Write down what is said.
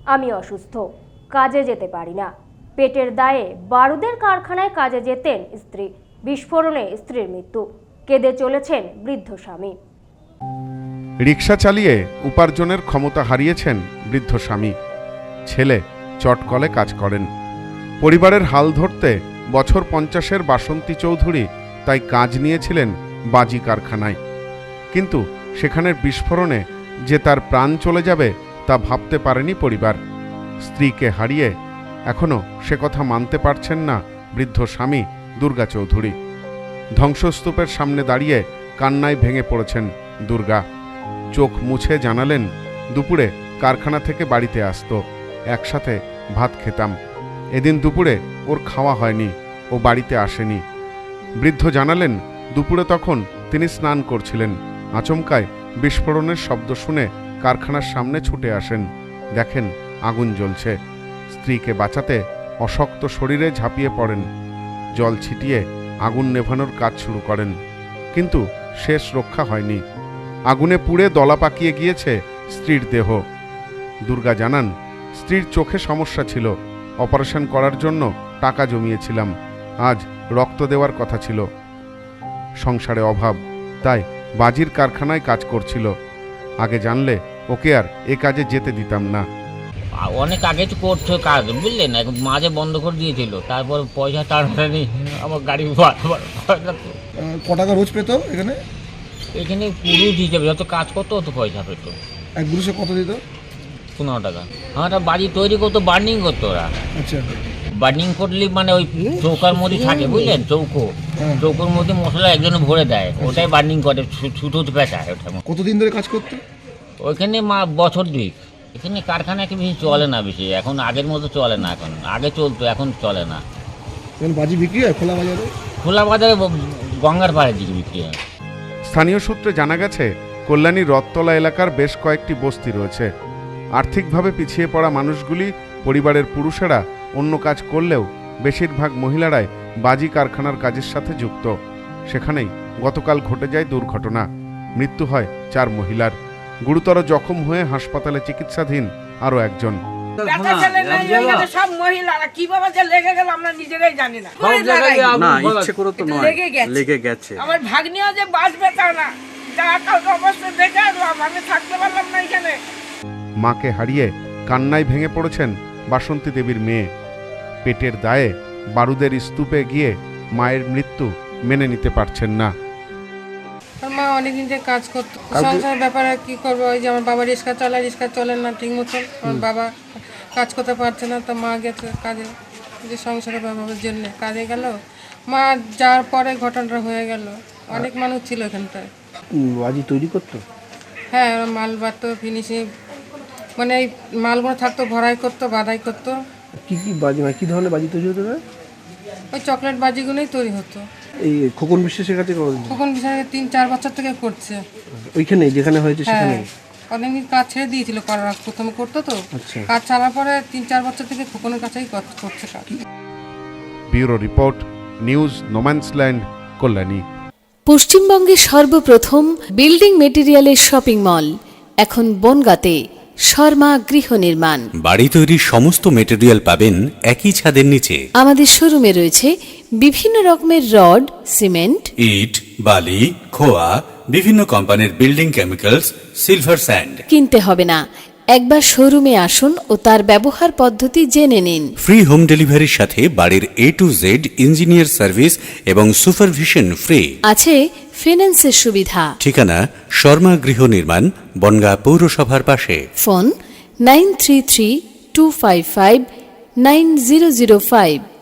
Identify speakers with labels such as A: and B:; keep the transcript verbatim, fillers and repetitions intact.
A: আমি অসুস্থ, কাজে যেতে পারি না। পেটের দায়ে বারুদের কারখানায় কাজে যেতেন স্ত্রী, বিস্ফোরণে স্ত্রীর মৃত্যু। কেঁদে চলেছেন বৃদ্ধ স্বামী।
B: রিক্সা চালিয়ে উপার্জনের ক্ষমতা হারিয়েছেন বৃদ্ধ স্বামী। ছেলে চটকলে কাজ করেন। পরিবারের হাল ধরতে বছর পঞ্চাশের বাসন্তী চৌধুরী তাই কাজ নিয়েছিলেন বাজি কারখানায়। কিন্তু সেখানের বিস্ফোরণে যে তার প্রাণ চলে যাবে তা ভাবতে পারেনি পরিবার। স্ত্রীকে হারিয়ে এখনও সে কথা মানতে পারছেন না বৃদ্ধ স্বামী দুর্গা চৌধুরী। ধ্বংসস্তূপের সামনে দাঁড়িয়ে কান্নায় ভেঙে পড়েছেন দুর্গা। চোখ মুছে জানালেন, দুপুরে কারখানা থেকে বাড়িতে আসতো, একসাথে ভাত খেতাম। এদিন দুপুরে ওর খাওয়া হয়নি, ও বাড়িতে আসেনি। বৃদ্ধ জানালেন, দুপুরে তখন তিনি স্নান করছিলেন। আচমকায় বিস্ফোরণের শব্দ শুনে কারখানার সামনে ছুটে আসেন। দেখেন আগুন জ্বলছে। স্ত্রীকে বাঁচাতে অশক্ত শরীরে ঝাঁপিয়ে পড়েন। জল ছিটিয়ে আগুন নেভানোর কাজ শুরু করেন, কিন্তু শেষ রক্ষা হয়নি। আগুনে পুড়ে দলা পাকিয়ে গিয়েছে স্ত্রীর দেহ। দুর্গা জানান, স্ত্রীর চোখে সমস্যা ছিল, অপারেশন করার জন্য টাকা জমিয়েছিলাম। আজ রক্ত দেওয়ার কথা ছিল। সংসারে অভাব, তাই বাজির কারখানায় কাজ করছিল। আগে জানলে ওকে আর এ কাজে যেতে দিতাম না।
C: অনেক আগে তো করছো কাজ, বুঝলেন, মাঝে বন্ধ করে দিয়েছিল। তারপর পয়সা টানাটানি আমার গাড়ি
D: ক টাকা রোজ পেতো এখানে?
C: এখানে পুরো হিসেবে যত কাজ করতো অত পয়সা পেতো।
D: এক পুরুষে কত দিত?
C: পনেরো টাকা। হ্যাঁ, ওটা বাড়ি তৈরি করতো, বার্নিং করতো ওরা।
D: আচ্ছা,
C: বার্নিং করলে মানে ওই চৌকার মধ্যে থাকে, বুঝলেন, চৌকো, চৌকোর মধ্যে মশলা একজনে ভরে দেয়, ওটাই বার্নিং করে, ছুটো পেঁচায় ওটা।
D: কতদিন ধরে কাজ করতো
C: ওইখানে? মা বছর দুই। এখানে কারখানা কি বেশি চলে না, বেশি এখন আগের মতো চলে না। এখন আগে চলতো, এখন চলে না।
D: বাজি বিক্রি হয় খোলা বাজারে?
C: খোলা বাজারে গঙ্গার পাড়ের দিকে বিক্রি হয়।
B: স্থানীয় সূত্রে জানা গেছে, কল্যাণী রথতলা এলাকার বেশ কয়েকটি বস্তি রয়েছে। আর্থিকভাবে পিছিয়ে পড়া মানুষগুলি পরিবারের পুরুষেরা অন্য কাজ করলেও বেশিরভাগ মহিলারাই বাজি কারখানার কাজের সাথে যুক্ত। সেখানেই গতকাল ঘটে যায় দুর্ঘটনা। মৃত্যু হয় চার মহিলার। গুরুতর জখম হয়ে হাসপাতালে চিকিৎসাধীন আরও একজন।
E: সব মহিলারা কিভাবে যে লেগে গেল আমরা নিজেরাই জানি না।
F: না, ইচ্ছে করে তো নয়, লেগে গেছে।
E: আমার ভাগ্নিও যে বাঁচবে তা না, যা কালকে অবস্থা দেখে আসলাম, আমি থাকতে পারলাম না এখানে।
B: মাকে হারিয়ে কান্নায় ভেঙে পড়েছেন বাসন্তী দেবীর মেয়ে। পেটের দায়ে বারুদের স্তূপে গিয়ে মায়ের মৃত্যু মেনে নিতে পারছেন না।
G: মা অনেকদিন থেকে কাজ করতো, সংসারের ব্যাপারে কি করবো, ওই যে আমার বাবা রিক্সা চালায়, রিক্সা চলে না ঠিক মতন, আমার বাবা কাজ করতে পারছে না, তো মা গেছে কাজে, যে সংসারের ব্যাপারের জন্য কাজে গেল। মা যাওয়ার পরে ঘটনাটা হয়ে গেল। অনেক মানুষ ছিল এখানটায়।
D: বাজি তৈরি করতো?
G: হ্যাঁ, ওরা মাল বাড়তো, ফিনিশিং মানে এই মালগুলো থাকতো, ভরাই করতো, বাধাই করতো।
D: কি কি বাজি, মানে কি ধরনের বাজি তৈরি হতো?
G: ওই চকলেট বাজিগুলোই তৈরি হতো।
D: এই খোকন বিশ্বাসের কাছে?
G: খোকন বিশ্বাস তিন চার বছর থেকে করছে
D: ওইখানে যেখানে হয়েছে সেখানে।
G: অনেকদিন কাজ ছেড়ে দিয়েছিল, করার প্রথমে করতো তো, কাজ ছাড়ার পরে তিন চার বছর থেকে খোকনের কাছেই করছে কাজ।
B: Bureau report, news no man's land, Kalyani.
H: পশ্চিমবঙ্গের সর্বপ্রথম বিল্ডিং মেটেরিয়ালের শপিং মল এখন বনগাঁতে। শর্মা গৃহ নির্মাণ।
I: বাড়ি তৈরির সমস্ত মেটেরিয়াল পাবেন একই ছাদের নিচে।
H: আমাদের শোরুমে রয়েছে বিভিন্ন রকমের রড, সিমেন্ট,
I: ইট, বালি, খোয়া, বিভিন্ন কোম্পানির বিল্ডিং কেমিক্যালস, সিলভার স্যান্ড।
H: কিনতে হবে না, একবার শোরুমে আসুন ও তার ব্যবহার পদ্ধতি জেনে নিন।
I: ফ্রি হোম ডেলিভারির সাথে বাড়ির A to Z engineer service এবং সুপারভিশন ফ্রি।
H: আছে ফিন্যান্সের সুবিধা।
I: ঠিকানা শর্মা গৃহ নির্মাণ, বনগাঁ পৌরসভার পাশে।
H: Phone nine three three two five five nine zero zero five.